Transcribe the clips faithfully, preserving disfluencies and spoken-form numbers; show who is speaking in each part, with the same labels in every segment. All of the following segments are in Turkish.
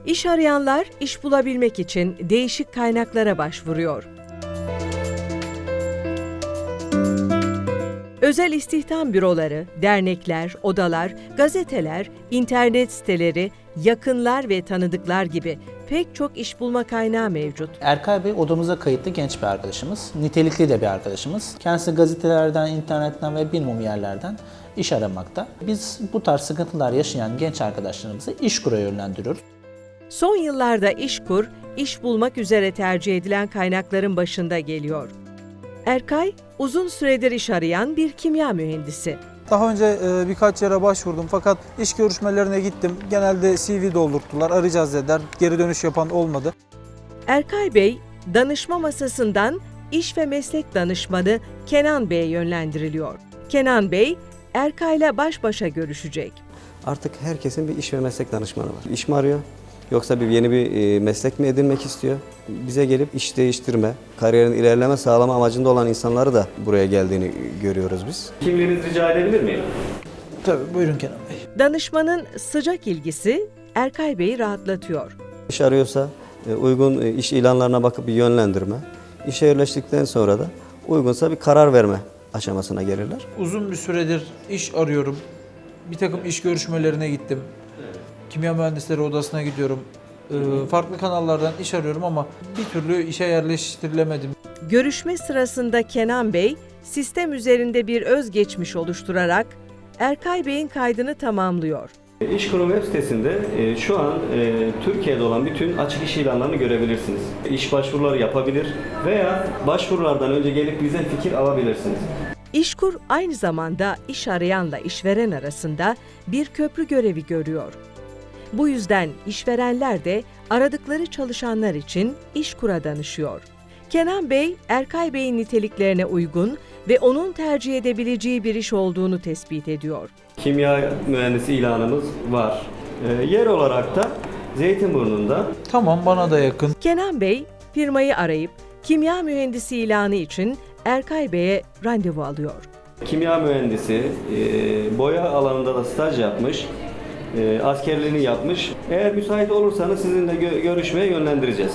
Speaker 1: İş arayanlar iş bulabilmek için değişik kaynaklara başvuruyor. Özel istihdam büroları, dernekler, odalar, gazeteler, internet siteleri, yakınlar ve tanıdıklar gibi pek çok iş bulma kaynağı mevcut.
Speaker 2: Erkay Bey odamıza kayıtlı genç bir arkadaşımız, nitelikli de bir arkadaşımız. Kendisi gazetelerden, internetten ve bilmem yerlerden iş aramakta. Biz bu tarz sıkıntılar yaşayan genç arkadaşlarımızı İşkur'a yönlendiriyoruz.
Speaker 1: Son yıllarda İşkur, iş bulmak üzere tercih edilen kaynakların başında geliyor. Erkay, uzun süredir iş arayan bir kimya mühendisi.
Speaker 3: Daha önce e, birkaç yere başvurdum fakat iş görüşmelerine gittim. Genelde C V doldurttular, arayacağız dediler. Geri dönüş yapan olmadı.
Speaker 1: Erkay Bey, danışma masasından iş ve meslek danışmanı Kenan Bey'e yönlendiriliyor. Kenan Bey, Erkay'la baş başa görüşecek.
Speaker 4: Artık herkesin bir iş ve meslek danışmanı var. İş mi arıyor? Yoksa bir yeni bir meslek mi edinmek istiyor? Bize gelip iş değiştirme, kariyerin ilerleme sağlama amacında olan insanları da buraya geldiğini görüyoruz biz.
Speaker 5: Kimliğinizi rica edebilir miyim?
Speaker 2: Tabii, buyurun Kenan Bey.
Speaker 1: Danışmanın sıcak ilgisi Erkay Bey'i rahatlatıyor.
Speaker 4: İş arıyorsa uygun iş ilanlarına bakıp bir yönlendirme, işe yerleştikten sonra da uygunsa bir karar verme aşamasına gelirler.
Speaker 3: Uzun bir süredir iş arıyorum. Bir takım iş görüşmelerine gittim. Kimya mühendisleri odasına gidiyorum. Ee, farklı kanallardan iş arıyorum ama bir türlü işe yerleştirilemedim.
Speaker 1: Görüşme sırasında Kenan Bey, sistem üzerinde bir özgeçmiş oluşturarak Erkay Bey'in kaydını tamamlıyor.
Speaker 5: İşkur'un web sitesinde e, şu an e, Türkiye'de olan bütün açık iş ilanlarını görebilirsiniz. İş başvuruları yapabilir veya başvurulardan önce gelip bizden fikir alabilirsiniz.
Speaker 1: İşkur aynı zamanda iş arayanla işveren arasında bir köprü görevi görüyor. Bu yüzden işverenler de aradıkları çalışanlar için İşkur'a danışıyor. Kenan Bey, Erkay Bey'in niteliklerine uygun ve onun tercih edebileceği bir iş olduğunu tespit ediyor.
Speaker 5: Kimya mühendisi ilanımız var. E, yer olarak da Zeytinburnu'nda.
Speaker 3: Tamam, bana da yakın.
Speaker 1: Kenan Bey, firmayı arayıp kimya mühendisi ilanı için Erkay Bey'e randevu alıyor.
Speaker 5: Kimya mühendisi, e, boya alanında da staj yapmış. E, askerliğini yapmış. Eğer müsait olursanız sizinle gö- görüşmeye yönlendireceğiz.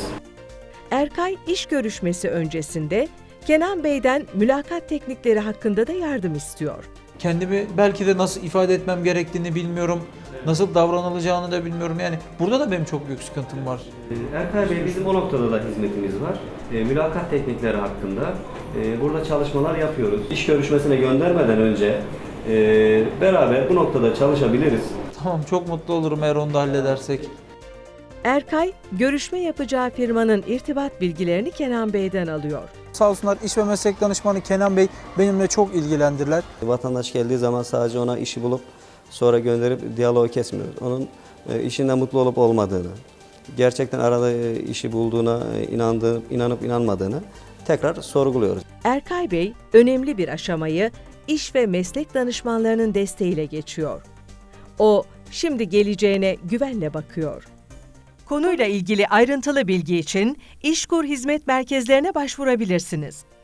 Speaker 1: Erkay iş görüşmesi öncesinde Kenan Bey'den mülakat teknikleri hakkında da yardım istiyor.
Speaker 3: Kendimi belki de nasıl ifade etmem gerektiğini bilmiyorum. Nasıl davranılacağını da bilmiyorum. Yani burada da benim çok büyük sıkıntım var.
Speaker 5: E, Erkay Bey, bizim o noktada da hizmetimiz var. E, mülakat teknikleri hakkında e, burada çalışmalar yapıyoruz. İş görüşmesine göndermeden önce e, beraber bu noktada çalışabiliriz.
Speaker 3: Tamam, çok mutlu olurum eğer onu da halledersek.
Speaker 1: Erkay, görüşme yapacağı firmanın irtibat bilgilerini Kenan Bey'den alıyor.
Speaker 3: Sağ olsunlar, iş ve meslek danışmanı Kenan Bey benimle çok ilgilendiler.
Speaker 4: Vatandaş geldiği zaman sadece ona işi bulup sonra gönderip diyaloğu kesmiyoruz. Onun işinden mutlu olup olmadığını, gerçekten arada işi bulduğuna inandığı, inanıp inanmadığını tekrar sorguluyoruz.
Speaker 1: Erkay Bey, önemli bir aşamayı iş ve meslek danışmanlarının desteğiyle geçiyor. O, şimdi geleceğine güvenle bakıyor. Konuyla ilgili ayrıntılı bilgi için İşkur hizmet merkezlerine başvurabilirsiniz.